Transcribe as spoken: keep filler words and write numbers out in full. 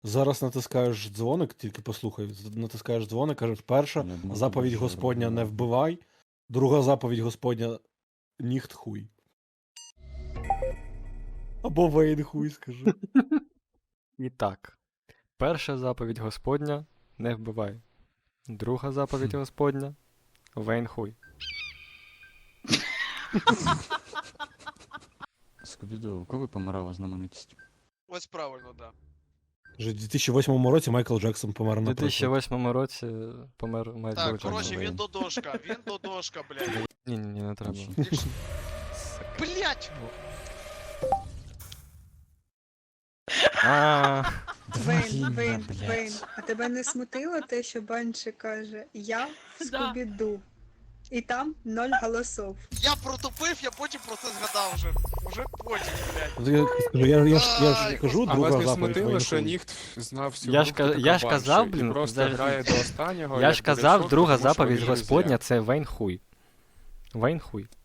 Зараз натискаєш дзвоник, тільки послухай, з- натискаєш дзвоник, кажеш, перша Не можу заповідь дуже Господня не робити. вбивай, друга заповідь Господня ніхт хуй. Або Вейн хуй, скажи. І так. Перша заповідь Господня – не вбивай. Друга заповідь Господня – Вейн хуй. Скобіду, у кого помирала знаменитість? Ось правильно, да. Вже в дві тисячі восьмому році Майкл Джексон помер У на дві тисячі восьмому році помер Майкл Так, Джексон. коротше, Вейн. він додошка, він додошка, блядь. Ні-ні-ні, не треба. Інші. Блядь! А, Вейн, Вейн, Вейн, а тебе не смутило те, що Банші каже «Я в Скубіду» і там ноль голосов. Я протупив, я потім про це згадав вже. Уже потім, блядь. Я, скажу, я, я, ж, я ж Ай, кажу, А вас друга не заповідь смутило, Вейн що хуй. ніхто знав всю Я ж групу ка- така я ж казав, банші, блін, і просто за- грає до останнього. я як ж буде казав, сотка, друга тому що заповідь вони Господня – друзі. це Вейн хуй. Вейн хуй.